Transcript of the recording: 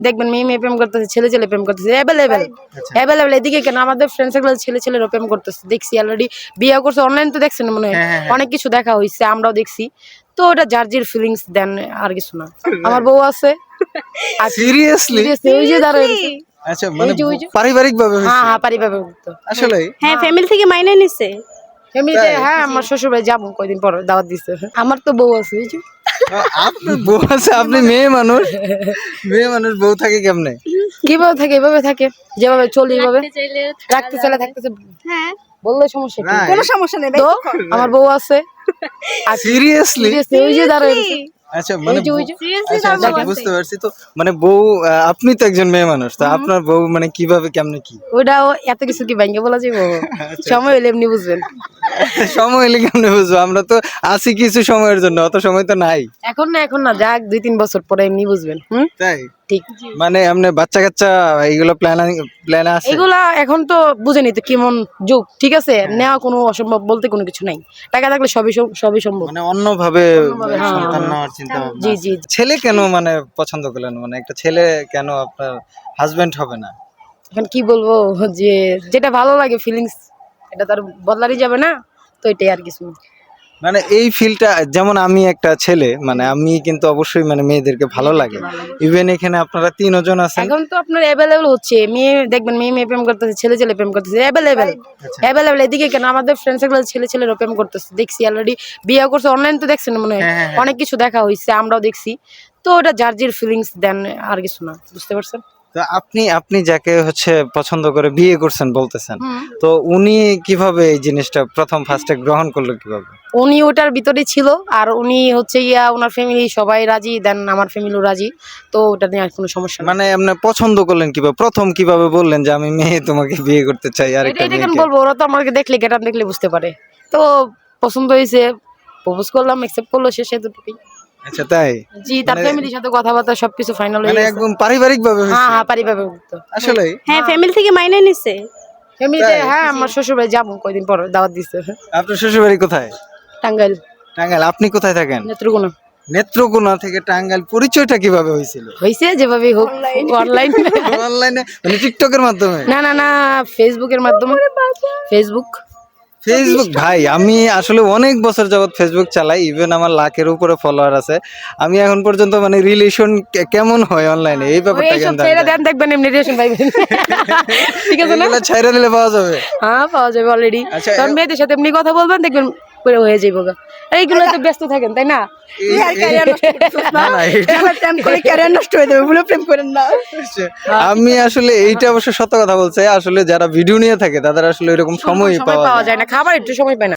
দেখবেন মেয়ে মেয়ে প্রেম করতেছে, ছেলে ছেলে প্রেম করতেছে, অ্যাভেলেবেল অ্যাভেলেবেল। এদিকে কেন আমাদের ফ্রেন্ড সার্কেল ছেলে ছেলেরও প্রেম করতেছে, দেখছি অলরেডি বিয়ে করছে, অনলাইন তো দেখছেন মনে হয়, অনেক কিছু দেখা হয়েছে, আমরাও দেখছি। তো ওটা যার যার ফিলিংস দেন, আর কিছু না। আমার বউ আছে। সিরিয়াসলি? ওই যে দাঁড়ায় আচ্ছা, মানে ওই যে। পারিবারিক ভাবে হ্যাঁ হ্যাঁ, পারিবারিক তো আসলে হ্যাঁ, ফ্যামিলি থেকে মাইনে নিছে। এমনিতে। হ্যাঁ, আমার শ্বশুর বাড়ি যাবো কয়দিন পর, দাওয়াত দিচ্ছে। আমার তো বউ আছে, ওই যে। আপনার বউ আছে, আপনি মেয়ে মানুষ, মেয়ে মানুষ বউ থাকে কেমনে? কিভাবে থাকে, এভাবে থাকে, যেভাবে চলি এভাবে রাখতে চাইলে থাকতেছে, হ্যাঁ, বললে সমস্যা কি? Right. কোনো সমস্যা নেই। তো আমার বউ আছে। সিরিয়াসলি? ওই যে দাঁড়ায় আচ্ছা, মানে ওই যে। সিরিয়াসলি আচ্ছা, আচ্ছা, বুঝতে পারছি। তো মানে বউ, আপনি তো একজন মেয়ে মানুষ, তো আপনার বউ মানে কিভাবে কেমনে কি? ওইটাও এত কিছু কি ভাঙ্গে বলা যাবো? সময় হলে এমনি বুঝবেন। সময় এলে কেমনে বুঝবো? আমরা তো আছি কিছু সময়ের জন্য, অত সময় তো নাই। এখন না যাক, 2-3 বছর পরে এমনি বুঝবেন। তাই? ঠিক। মানে এমনি বাচ্চা কাচ্চা এইগুলো প্ল্যান আছে? এগুলা এখন তো বুঝেনি তো কেমন যুগ, ঠিক আছে, নেওয়া কোনো অসম্ভব বলতে কোনো কিছু নাই, টাকা থাকলে সবই সম্ভব। মানে অন্যভাবে হ্যাঁ, সন্তান হ্যাঁ। নেওয়ার চিন্তা ভাবনা জি আছে। জি। ছেলে কেন মানে পছন্দ করলেন? মানে একটা ছেলে কেন আপনার হাজবেন্ড হবে না? এখন কি বলবো, যে যেটা ভালো লাগে ফিলিংস, এটা তো আর বদলারই যাবে না, তো এটাই আর কিছু না। মানে এই ফিলটা, যেমন আমি একটা ছেলে, মানে আমি কিন্তু অবশ্যই মানে মেয়েদেরকে ভালো লাগে। ইভেন এখানে আপনারা 3 জন আছেন। এখন তো আপনার অ্যাভেলেবেল হচ্ছে, মেয়ে দেখবেন মেয়ে মেয়ে প্রেম করতেছে, ছেলে ছেলে প্রেম করতেছে, অ্যাভেলেবেল অ্যাভেলেবেল। এদিকে কেন আমাদের ফ্রেন্ড সার্কেল ছেলে ছেলেরও প্রেম করতেছে, দেখছি অলরেডি বিয়ে করছে, অনলাইন তো দেখছেন মনে হয়, অনেক কিছু দেখা হয়েছে, আমরাও দেখছি। তো ওটা যার যার ফিলিংস দেন, আর কিছু না, বুঝতে পারছেন? তো আপনি যাকে হচ্ছে পছন্দ করে বিয়ে করছেন বলতেছেন, তো উনি কিভাবে এই জিনিসটা প্রথম ফার্স্টে গ্রহণ করলো কিভাবে? উনি ওটার ভিতরে ছিল, আর উনি হচ্ছে ইয়া, ওনার ফ্যামিলি সবাই রাজি, দেন আমার ফ্যামিলিও রাজি, তো ওটা নিয়ে আর কোনো সমস্যা নেই। মানে আপনি পছন্দ করলেন কিভাবে? প্রথম কিভাবে বললেন যে আমি মেয়ে তোমাকে বিয়ে করতে চাই আর একটা এটা কেন মেয়েকে? বলবো, ওরা তো আমাকে দেখলে, গেটাপ দেখলে বুঝতে পারে। তো পছন্দ হয়েছে, প্রপোজ করলাম, অ্যাকসেপ্ট করলো, শেষ এতটুকুই। আচ্ছা, তাই? জি, তার মানে- ফ্যামিলির সাথে কথাবার্তা সবকিছু ফাইনাল হয়ে মানে গেছে। একদম পারিবারিক ভাবে হ্যাঁ হ্যাঁ, পারিবারিক তো। আসলে হ্যাঁ, ফ্যামিলি থেকে মাইনে নিছে। এমনিতে। হ্যাঁ, আমার শ্বশুর বাড়ি যাবো কয়দিন পর, দাওয়াত দিচ্ছে। আপনার শ্বশুর বাড়ি কোথায়? টাঙ্গাইল, টাঙ্গাইল। আপনি কোথায় থাকেন? নেত্রকোনা। নেত্রকোনা থেকে টাঙ্গাইল। পরিচয়টা কিভাবে হয়েছিল? হয়েছে যেভাবে হোক, অনলাইন। অনলাইনে, মানে টিকটকের মাধ্যমে? না না না, ফেসবুকের মাধ্যমে। ফেসবুক। ভাই, আমি আসলে অনেক বছর যাবত ফেসবুক চালাই, ইভেন আমার লাখের উপরে ফলোয়ার আছে। আমি এখন পর্যন্ত মানে রিলেশন কেমন হয় অনলাইনে এই ব্যাপারটা এইসব কিন্তু ছেড়ে দেন, দেখবেন এমনি রিলেশন পাইবেন। ঠিক আছে না? এগুলো ছাইরা দিলে পাওয়া যাবে। হ্যাঁ, পাওয়া যাবে অলরেডি। আচ্ছা, কারণ মেয়েদের সাথে এমনি কথা বলবেন, দেখবেন পুরো হয়ে যাইব গা। এইগুলো তো ব্যস্ত থাকেন, তাই না? না, না, ক্যারিয়ার নষ্ট হয়ে যাবে বলে প্রেম করেন না। আমি আসলে এইটা অবশ্য সত্য কথা বলছে। আসলে যারা ভিডিও নিয়ে থাকে তাদের আসলে এরকম সময় সময় পাওয়া যায় না, খাবার একটু সময় পায় না।